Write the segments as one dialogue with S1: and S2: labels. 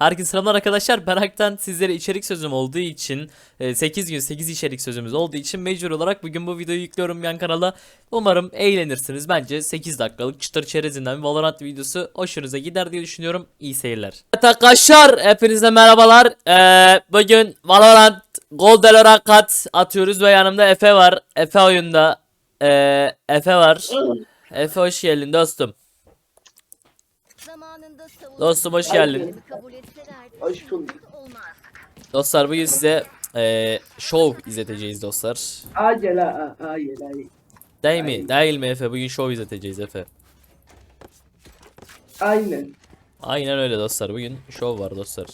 S1: Herkese selamlar arkadaşlar. Berak'tan sizlere içerik sözüm olduğu için 8 gün 8 içerik sözümüz olduğu için mecbur olarak bugün bu videoyu yüklüyorum yan kanala. Umarım eğlenirsiniz. Bence 8 dakikalık çıtır çerezinden bir Valorant videosu hoşunuza gider diye düşünüyorum. İyi seyirler. Evet arkadaşlar, hepinize merhabalar. Bugün Valorant Gold Rakat atıyoruz ve yanımda Efe var. Efe oyunda. Efe var. Efe hoş geldin dostum. Dostum hoş geldin.
S2: Hoş bulduk.
S1: Dostlar bugün size show izleteceğiz dostlar.
S2: Acele acele.
S1: Değil mi? Değil mi Efe? Bugün show izleteceğiz Efe.
S2: Aynen.
S1: Aynen öyle dostlar. Bugün show var dostlar.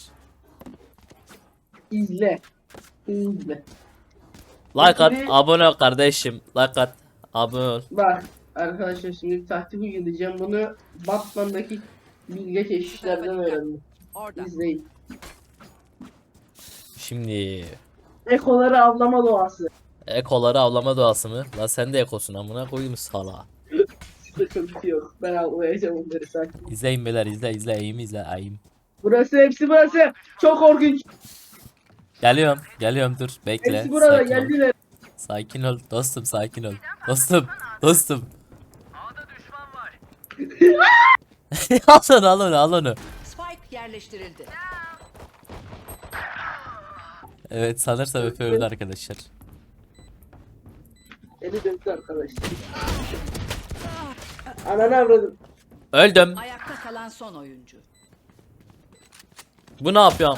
S2: İzle. İzle.
S1: Like at,
S2: Peki-
S1: abone ol kardeşim. Like at, abone ol.
S2: Bak arkadaşlar şimdi taktik uygulayacağım. Bunu Batman'daki bilge keşişlerden öğrendim. İzleyin.
S1: Şimdi
S2: Ekoları avlama doğası.
S1: ekoları avlama doğası mı? La sen de ekosun amına koyayım sala.
S2: Sıkıntı yok. Ben avlayacağım onları sakin.
S1: İzleyin beyler, izle eğim izle eğim.
S2: Burası hepsi burası. Çok korkunç.
S1: Geliyorum dur bekle.
S2: Hepsi burada
S1: Sakin ol.
S2: geldiler.
S1: Sakin ol dostum, sakin ol. Dostum. Al onu.
S3: Spike yerleştirildi.
S1: Evet sanırsam Efe öldü arkadaşlar.
S2: Beni döndü arkadaşlar. Ananı avradım.
S1: Öldüm.
S3: Ayakta kalan son oyuncu.
S1: Bu ne yapıyor?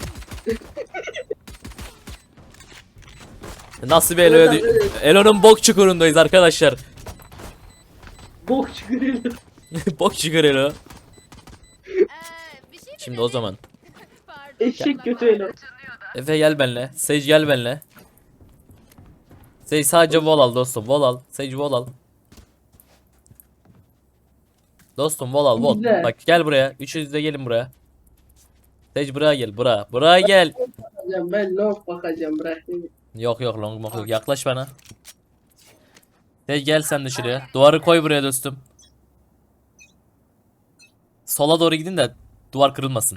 S1: Nasıl bir Elo'ya Elo'nun bok çukurundayız arkadaşlar.
S2: Bok çıkırıyor.
S1: Bok çukur Elo. Şimdi o zaman.
S2: Eşek kötü el.
S1: Efe gel benle. Sage gel benle. Sage sadece wall al dostum. Wall al. Sage wall al. Dostum wall al. Wall.
S2: Güzel.
S1: Bak gel buraya. Üçünüz de gelin buraya. Sage buraya gel. Buraya gel.
S2: Ben long bakacağım bırak beni.
S1: Yok long yok. Yaklaş bana. Sage gel sen de şuraya. Duvarı koy buraya dostum. Sola doğru gidin de duvar kırılmasın.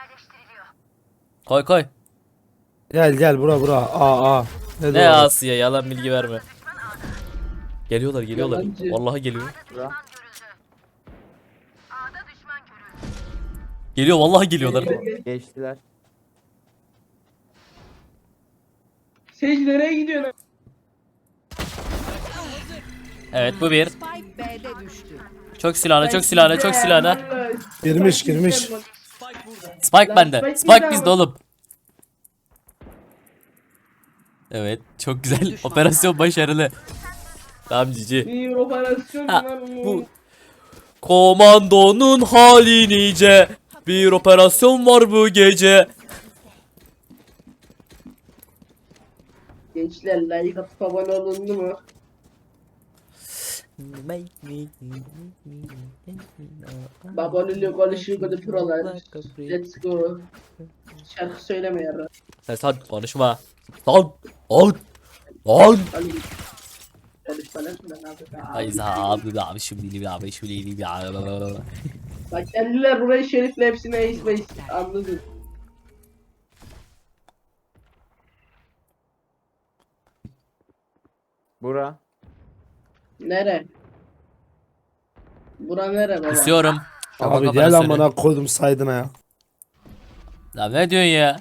S1: Koy.
S4: Gel bura A.
S1: Ne
S4: doğru?
S1: Asya, yalan bilgi verme. Geliyorlar.
S2: Yalancı.
S1: Vallahi geliyor. Geliyor vallahi geliyorlar.
S4: Geçtiler.
S2: Sage nereye gidiyorsun?
S1: Evet bu bir.
S3: Spike B'de düştü.
S1: Çok silahına.
S4: Girmiş.
S1: Spike
S2: Lan
S1: bende.
S2: Spike
S1: Spike
S2: bizde
S1: bizde
S2: ama.
S1: oğlum. Evet çok güzel. Operasyon başarılı. Tamam cici.
S2: Bir operasyon
S1: Ha,
S2: var
S1: bu komandonun hali nice. Bir operasyon var bu gece.
S2: Gençler like atıp abone olundu mu? Babalülü konuşuyor böyle prolar. Let's go. Şarkı söyleme yarra.
S1: Sen konuşma. Lan.
S2: Hadi. Konuşma lan.
S1: Ay abi şimdi
S2: Bak kendiler burayı şerifle hepsine isme anladın.
S4: Bura.
S2: Nere? Bura nere baba?
S1: Kusuyorum.
S4: Abi gel amına koydum saydına ya.
S1: Lan ne diyorsun ya?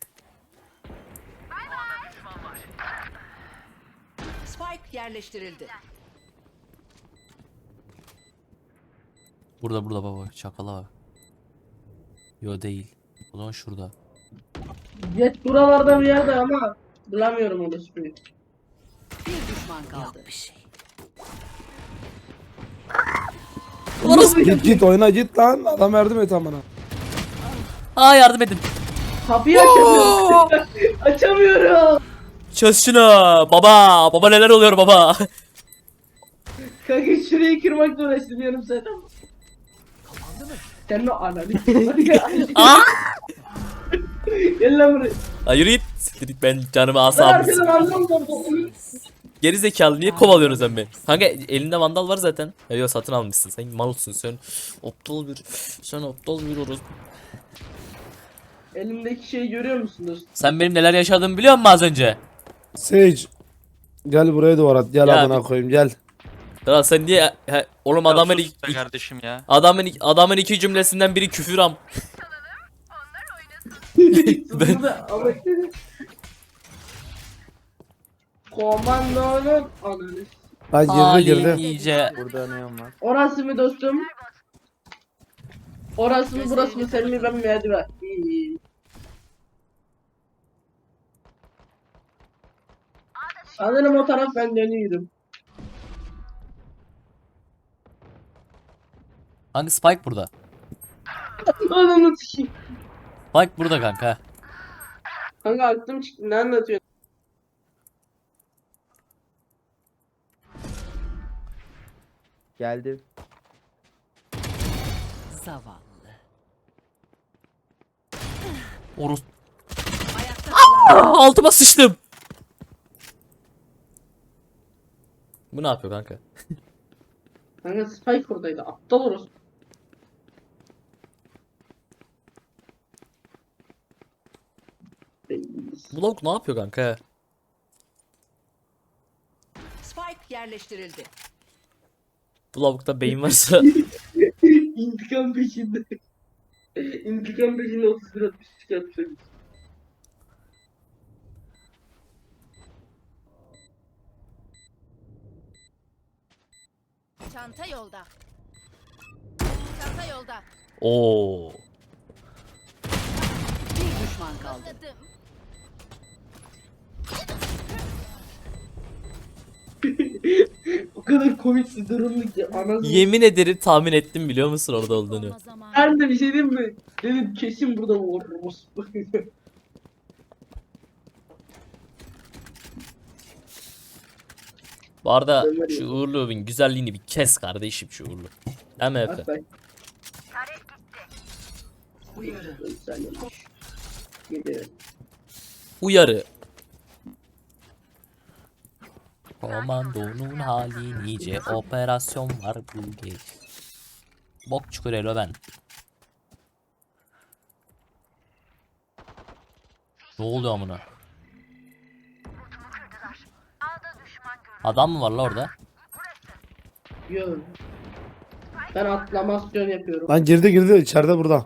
S3: Spike yerleştirildi.
S1: Burada baba çakala var. Yo değil. O zaman şurada.
S2: Jet buralarda bir yerde ama bulamıyorum onu hiçbir.
S3: Bir düşman kaldı.
S4: Git oyna git lan. Adam yardım et amına.
S1: Aa yardım edin.
S2: Kapıyı açamıyorum. Açamıyorum.
S1: Çöz şunu. Baba neler oluyor baba?
S2: Kanka şurayı kırmakla uğraştım yarım saat ama. Sen de ananı.
S1: Aa!
S2: Gel lan buraya.
S1: Lan yürü git. Siktir git, ben canımı
S2: Ben
S1: asabım.
S2: arkadan aldım da.
S1: Geri zekalı niye kovalıyorsun sen beni? Kanka elinde vandal var zaten. Ya yok satın almışsın. Sen malsın sen. Aptal bir orospu.
S2: Elimdeki şeyi görüyor musunuz?
S1: Sen benim neler yaşadığımı biliyor musun az önce?
S4: Sage. Gel buraya duvar at. Gel
S1: Ya
S4: amına koyayım gel.
S1: Kral sen niye oğlum
S5: Ya
S1: adamın
S5: sus be kardeşim ya.
S1: adamın iki cümlesinden biri küfür am.
S2: Burada ama komandonun ananı.
S4: Ha girdi.
S1: İyice.
S4: Burada neon var.
S2: Orası mı dostum? Orası mı burası mı sen mi ben mi hadi ver. İyi. Sanırım o taraf ben dönüyorum.
S1: Hangi Spike burada?
S2: Ananı sikeyim.
S1: Spike burada kanka.
S2: Kanka aklım çıktı ne anlatıyorsun?
S6: Geldi.
S3: Zavallı.
S1: Orus.
S3: Ayakta kalan
S1: Altıma sıçtım. Bu ne yapıyor kanka?
S2: Kanka Spike oradaydı aptal orası.
S1: Bu lavuk ne yapıyor kanka?
S3: Spike yerleştirildi.
S1: Bu lavukta beyin varsa
S2: İntikam peşinde. İntikam peşinde 31 60 çıkartacak.
S7: Çanta yolda. Çanta yolda.
S1: Oo.
S3: Bir düşman kaldı.
S7: Anladım.
S2: O kadar komik bir durumdu ki anasını.
S1: Yemin ederim tahmin ettim biliyor musun orada olduğunu.
S2: Ben de bir şey diyeyim mi? Dedim kesin burada vururuz.
S1: Bu arada şu Uğurlu'nun güzelliğini bir kes kardeşim şu Uğurlu. Değil mi Efe?
S2: Hatta
S3: Uyarı.
S2: gidiyor.
S1: Uyarı. Komandonun hali nice operasyon var bu gece. Bok çukur elo ben. Ne oluyor amına? Adam mı var la orada?
S2: Yok. Ben atlamasyon yapıyorum.
S4: Lan girdi içeride burada.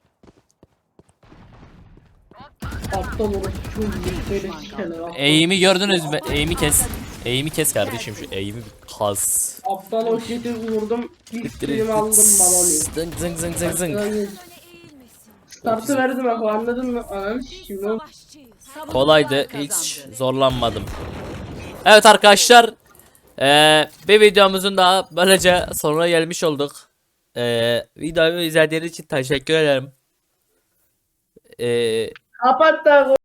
S2: Aptal orası çok iyi. Böyle sikeler.
S1: Eğimi gördünüz mü? Eğimi kes. Eğimi kes kardeşim şu eğimi bir kas.
S2: Aptal o jeti vurdum. İlk filmi aldım balonu.
S1: Zıng zıng zıng zıng zıng.
S2: Startı verdim abi anladın mı? Ananı şimdi o
S1: Kolaydı, hiç zorlanmadım. Evet arkadaşlar, bir videomuzun daha böylece sonuna gelmiş olduk. Videoyu izlediğiniz için teşekkür ederim.
S2: kapat da